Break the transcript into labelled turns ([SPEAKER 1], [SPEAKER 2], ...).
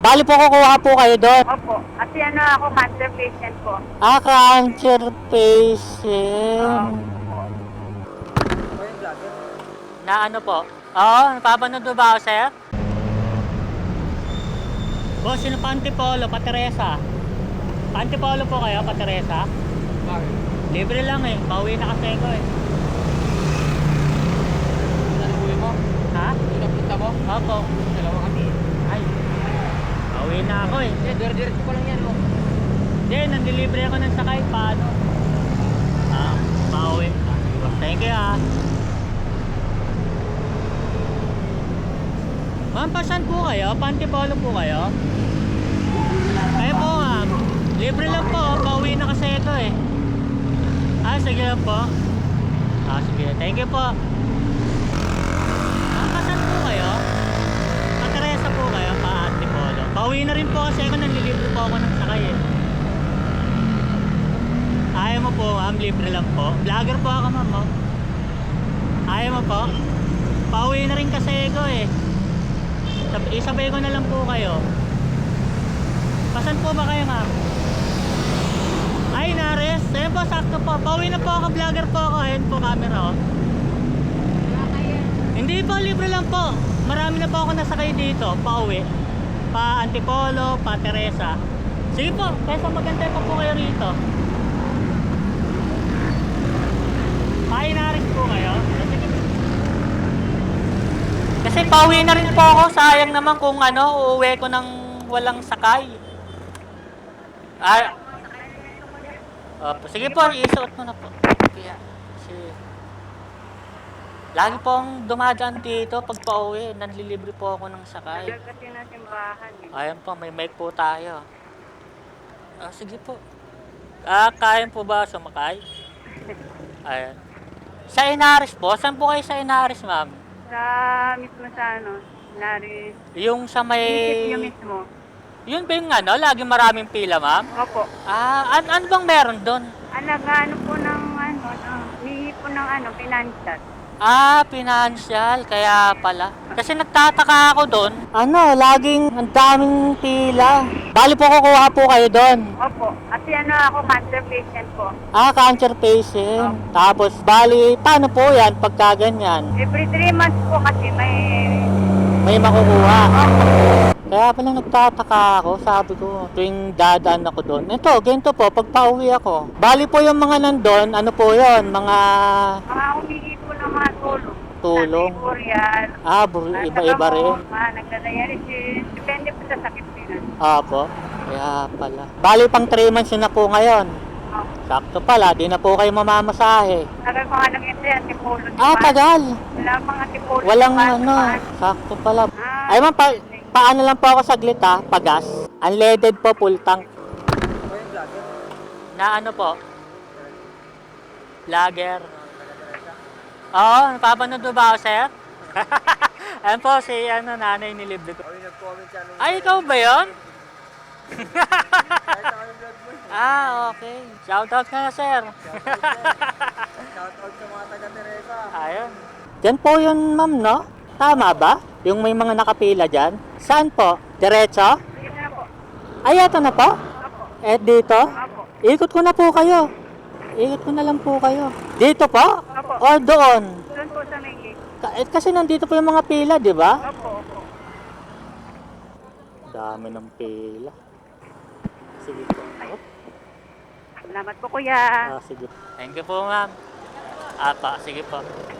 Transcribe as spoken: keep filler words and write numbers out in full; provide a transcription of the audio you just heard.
[SPEAKER 1] Bali po kukuha po kayo doon.
[SPEAKER 2] Opo. Kasi ano ako, cancer patient po.
[SPEAKER 1] Ah, cancer patient. Na ano po? Oo, napapanood mo ba ako, sir? Boss, sino pa Antipolo, pa Teresa? Pa Antipolo po kayo, pa Teresa?
[SPEAKER 3] Bakit?
[SPEAKER 1] Libre lang eh, pauwi na kasi ko eh.
[SPEAKER 3] Ano uwi mo?
[SPEAKER 1] Ha?
[SPEAKER 3] Pinapunta mo?
[SPEAKER 1] Opo.
[SPEAKER 3] Dalawa kami.
[SPEAKER 1] Ay, pauwi na ako eh.
[SPEAKER 3] Eh, dire-diretso pa lang yan, oh.
[SPEAKER 1] Hindi, nandilibre ako ng sakay, paano? Ah, pauwi. Ah, thank you ah. Ma'am, pasan po kayo? Pantipolo po kayo? Kayo po ma'am. Libre lang po, pauwi na kasi ito eh. Ah, sige lang po. Ah, sige. Thank you po. Ma'am, pasan po kayo? Pa-Teresa po kayo, pa-Antipolo. Pauwi na rin po kasi ako, nanlilibre po ako ng sakay eh. Ayaw mo po ma'am, libre lang po. Vlogger po ako ma'am, oh. Ayaw mo po? Pauwi na rin kasi ako eh. Sab- isabay ko na lang po kayo. Pasan po ba kayo ma'am? Ay, nares. Ayun po, sakto po. Pauwi na po ako, vlogger po ako. Ayun po, camera oh. Hindi po, libre lang po. Marami na po ako nasakay dito, pauwi. Pa Antipolo, pa Teresa. Sige po, kesa magantay pa po kayo rito. Pa Inaris po kayo. Sige. Kasi pauwi na rin po ako. Sayang naman kung ano, uuwi ko ng walang sakay. Ah, opo. Sige po, isuot mo na po. Kaya, sige. Lagi pong dumadaan dito pag pauwi, nanlilibre po ako ng sakay.
[SPEAKER 2] Tagal kasi na simbahan eh.
[SPEAKER 1] Ayan po, may mic po tayo. Ah, sige po. Ah, kaya po ba sumakay? Ayan. Sa Inaris po? Saan po kayo sa Inaris, ma'am?
[SPEAKER 2] Sa mismo sa ano, Nari.
[SPEAKER 1] Yung sa may...
[SPEAKER 2] Isip niyo mismo.
[SPEAKER 1] Yun ba yung ano, laging maraming pila, ma'am?
[SPEAKER 2] Opo.
[SPEAKER 1] Ah, an ano bang meron doon?
[SPEAKER 2] Anak, ano po ng ano, ng, hihi po ng ano, financial.
[SPEAKER 1] Ah, financial, kaya pala. Kasi nagtataka ako doon. Ano, laging ang daming pila. Bali po kukuha po kayo doon.
[SPEAKER 2] Opo. Kasi ano ako, cancer patient po.
[SPEAKER 1] Ah, cancer patient. Tapos, bali, paano po yan pagka ganyan?
[SPEAKER 2] Every three months po kasi may...
[SPEAKER 1] May makukuha.
[SPEAKER 2] Opo.
[SPEAKER 1] Kaya pala nagtataka ako, sabi ko, tuwing dadaan ako doon. Ito, ganito po, pag pauwi ako. Bali po yung mga nandun, ano po yon, mga
[SPEAKER 2] Mga humihi po ng mga tulong.
[SPEAKER 1] tulong.
[SPEAKER 2] Sa Korean.
[SPEAKER 1] Ah, bur- iba-iba rin.
[SPEAKER 2] Mga nagdadialysis. Depende po sa sakit nila.
[SPEAKER 1] Opo, kaya pala. Bali pang three months yun na po ngayon.
[SPEAKER 2] Opo.
[SPEAKER 1] Sakto pala, di na po kayo mamamasahe.
[SPEAKER 2] Tagal pa nga lang ito yan, tipolo.
[SPEAKER 1] Ah, tagal.
[SPEAKER 2] Wala mga tipolo.
[SPEAKER 1] Walang
[SPEAKER 2] diba?
[SPEAKER 1] ano, sakto pala.
[SPEAKER 2] Ah,
[SPEAKER 1] Ay ma'am, pa paano lang po ako saglit ha, pagas. Unleaded po, full tank.
[SPEAKER 3] Ako yung vlogger.
[SPEAKER 1] Na ano po? Lager. Oo, napapanood mo ba ako, sir? Ayan po, si ano, nanay nilibre ko.
[SPEAKER 3] Ako yung nag-comment siya nung...
[SPEAKER 1] Ay, ikaw ba yun?
[SPEAKER 3] Kahit ako yung vlog mo eh.
[SPEAKER 1] Ah, okay. Shoutout ka na, sir.
[SPEAKER 3] Shoutout sa mga taga-Teresa.
[SPEAKER 1] Ayun. Diyan po yun, ma'am, no? Tama ba? Yung may mga nakapila dyan? Saan po? Diretso?
[SPEAKER 2] Sige na po.
[SPEAKER 1] Ay, eto na po?
[SPEAKER 2] Opo.
[SPEAKER 1] Eh, dito?
[SPEAKER 2] Opo.
[SPEAKER 1] Ikot ko na po kayo. Ikot ko na lang po kayo. Dito po?
[SPEAKER 2] Opo.
[SPEAKER 1] O doon?
[SPEAKER 2] Doon po sa may gate.
[SPEAKER 1] Ka- eh, kasi nandito po yung mga pila, di ba?
[SPEAKER 2] Opo, opo.
[SPEAKER 1] Dami ng pila. Sige po. Op.
[SPEAKER 2] Salamat po, kuya.
[SPEAKER 1] Ah, sige. Thank you po, ma'am. Apa, sige po.